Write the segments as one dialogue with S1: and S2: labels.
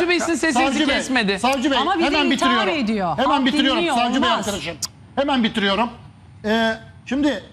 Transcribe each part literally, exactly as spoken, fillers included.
S1: Savcı Bey sizin sesinizi
S2: Savcı Bey,
S1: kesmedi.
S2: Savcı Bey
S3: Ama bizi
S2: hemen
S3: itham
S2: bitiriyorum.
S3: ediyor.
S2: Hemen
S3: Halk
S2: bitiriyorum
S3: dinliyor,
S2: Savcı Bey
S3: olmaz.
S2: arkadaşım. Hemen bitiriyorum. Ee, şimdi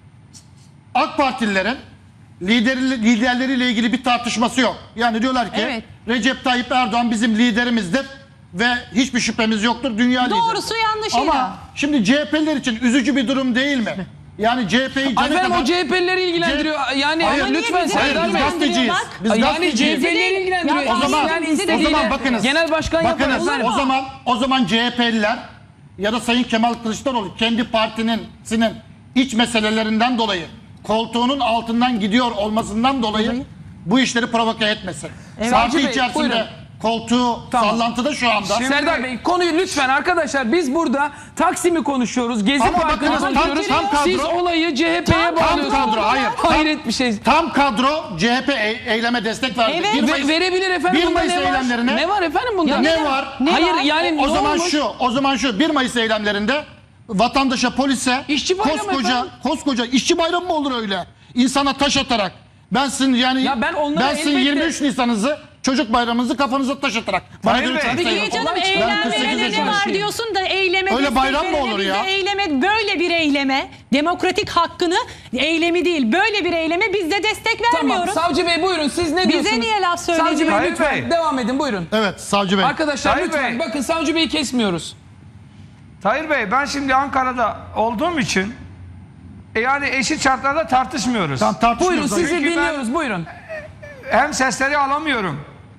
S2: AK Partililerin lideri, liderleriyle ilgili bir tartışması yok. Yani diyorlar ki
S3: Evet.
S2: Recep Tayyip Erdoğan bizim liderimizdir ve hiçbir şüphemiz yoktur. Dünya lideri.
S3: Doğrusu yanlışıyla.
S2: Ama şimdi C H P'liler için üzücü bir durum değil mi? Yani C H P'yi
S1: Ay
S2: cana
S1: efendim
S2: kadar...
S1: o C H P'lileri ilgilendiriyor. Yani
S2: Hayır,
S1: lütfen
S3: bizi
S2: Hayır,
S1: Serdar
S2: biz
S1: Bey.
S2: gazeteciyiz.
S3: Bak.
S2: Biz
S1: Yani
S2: gazeteciyiz.
S1: C H P'lileri ilgilendiriyor.
S3: Ya,
S2: o zaman-
S1: İsteyen
S2: o
S1: istediğiyle
S2: zaman bakınız.
S1: genel başkan yapar
S2: Bakınız
S1: efendim.
S2: o zaman o zaman C H P'liler ya da Sayın Kemal Kılıçdaroğlu kendi partinin sinin iç meselelerinden dolayı koltuğunun altından gidiyor olmasından dolayı bu işleri provoke etmesin.
S1: Evet.
S2: Parti
S1: Savcı Bey,
S2: içerisinde
S1: buyurun.
S2: koltuğu
S1: Tamam.
S2: sallantıda şu anda.
S1: Serdar Bey konuyu lütfen arkadaşlar biz burada Taksim'i konuşuyoruz. Gezi
S2: Ama
S1: Parkı'nı
S2: bakınız, tam-
S1: konuşuyoruz.
S2: tam kadro-
S1: Siz olayı C H P'ye
S2: Tam
S1: bağlıyorsunuz.
S2: kadro, hayır.
S1: Hayret bir şey.
S2: Tam kadro C H P e- eyleme destek verdi.
S3: Evet.
S2: bir
S1: Ve-
S2: Mayıs,
S1: verebilir efendim.
S2: bir
S1: Bunda
S2: Mayıs
S1: ne var?
S2: eylemlerine
S1: Ne var efendim bunda?
S2: Ya ne var?
S3: Ne
S1: Hayır
S3: var?
S1: yani
S2: o
S1: ne
S2: zaman
S1: olmuş?
S2: şu, o zaman şu bir Mayıs eylemlerinde vatandaşa, polise
S1: İşçi bayramı
S2: koskoca
S1: efendim.
S2: koskoca işçi bayramı mı olur öyle? İnsana taş atarak. Ben sizin yani
S1: Ya ben onlara
S2: sizin
S1: elbette-
S2: yirmi üç Nisan'ınızı çocuk bayramınızı kafanıza taş atarak. Bana
S4: Tayyip
S2: göre
S4: Bey.
S2: çok
S3: Peki
S2: sayılır.
S3: canım
S1: Olay çıkar.
S2: Ben kırk sekiz
S3: eylemlerinde ne
S2: yaşındayım.
S3: var diyorsun da eyleme
S2: Öyle
S3: destek
S2: bayram mı
S3: verene
S2: olur
S3: biz
S2: ya?
S3: de eyleme, böyle bir eyleme, demokratik hakkını, eylemi değil böyle bir eyleme biz de destek
S1: Tamam
S3: vermiyoruz.
S1: Savcı Bey buyurun siz ne
S3: Bize
S1: diyorsunuz?
S3: niye laf
S1: Savcı Bey
S3: söylüyor?
S4: Tayyip
S1: lütfen
S4: Bey.
S1: devam edin buyurun.
S2: Evet Savcı Bey.
S1: Arkadaşlar
S4: Tayyip
S1: lütfen
S4: Bey.
S1: bakın Savcı Bey'i kesmiyoruz.
S4: Tahir Bey, ben şimdi Ankara'da olduğum için e, yani eşit şartlarda tartışmıyoruz.
S2: Tam
S1: Buyurun
S2: tartışmıyoruz.
S1: sizi
S4: Çünkü ben-
S1: dinliyoruz buyurun.
S4: Hem sesleri alamıyorum.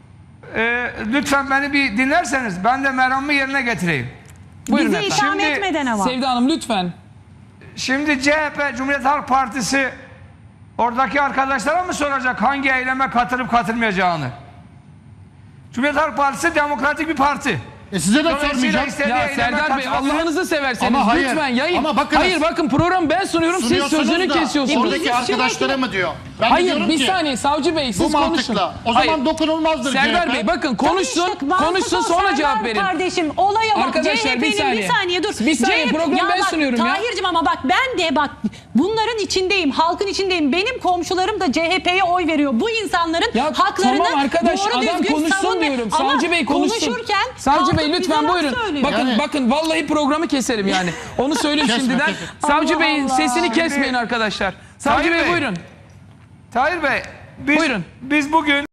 S4: E, lütfen beni bir dinlerseniz ben de meramımı yerine getireyim.
S1: Buyurun
S3: Bizi
S1: efendim.
S3: itham
S4: Şimdi-
S3: etmeden ama.
S1: Sevda Hanım lütfen.
S4: Şimdi C H P, Cumhuriyet Halk Partisi oradaki arkadaşlara mı soracak hangi eyleme katılıp katılmayacağını? Cumhuriyet Halk Partisi demokratik bir parti.
S2: E size de
S4: Dolayısıyla
S2: sormayacağım.
S4: istediği
S1: Ya
S4: eyleme
S1: Serdar Bey
S4: katılabilir.
S1: Allah'ınızı severseniz
S2: Ama hayır,
S1: lütfen yayın.
S2: ama bakınız-
S1: hayır bakın program ben sunuyorum siz
S2: Sunuyorsunuz
S1: sözünü
S2: da
S1: kesiyorsunuz.
S2: Oradaki arkadaşlara mı diyor? Ben de
S1: Hayır
S2: diyorum
S1: bir
S2: ki,
S1: saniye Savcı Bey siz
S2: bu
S1: konuşun.
S2: mantıkla. O zaman
S1: Hayır.
S2: dokunulmazdır C H P.
S1: Serdar Bey bakın konuşsun
S3: Tabii işte,
S1: konuşsun
S3: mantık o
S1: sonra
S3: Serdar
S1: cevap verin.
S3: Kardeşim olaya bak.
S1: Arkadaşlar,
S3: C H P'nin
S1: bir saniye.
S3: bir saniye dur.
S1: Bir saniye,
S3: C H P
S1: programı ben
S3: bak,
S1: sunuyorum ya.
S3: Tahir'cim ama bak ben de bak bunların içindeyim. Halkın içindeyim. Benim komşularım da C H P'ye oy veriyor. Bu insanların
S1: Ya
S3: haklarını
S1: tamam arkadaş
S3: doğru
S1: adam
S3: düzgün
S1: konuşsun
S3: savunma-
S1: diyorum.
S3: Ama
S1: Savcı Bey konuşsun.
S3: konuşurken
S1: Savcı
S3: kalkıp
S1: Bey
S3: bize
S1: lütfen
S3: laf
S1: buyurun.
S3: söylüyor.
S1: Bakın
S2: Yani-
S1: bakın vallahi programı keserim yani. Onu söyleyeyim
S2: Kesme,
S1: şimdiden.
S2: kesme.
S1: Savcı
S3: Allah
S1: Bey'in
S3: Allah.
S1: sesini
S4: Şimdi-
S1: kesmeyin arkadaşlar. Savcı
S4: Tahir
S1: Bey
S4: Bey.
S1: buyurun.
S4: Tahir Bey, biz,
S1: Buyurun.
S4: biz bugün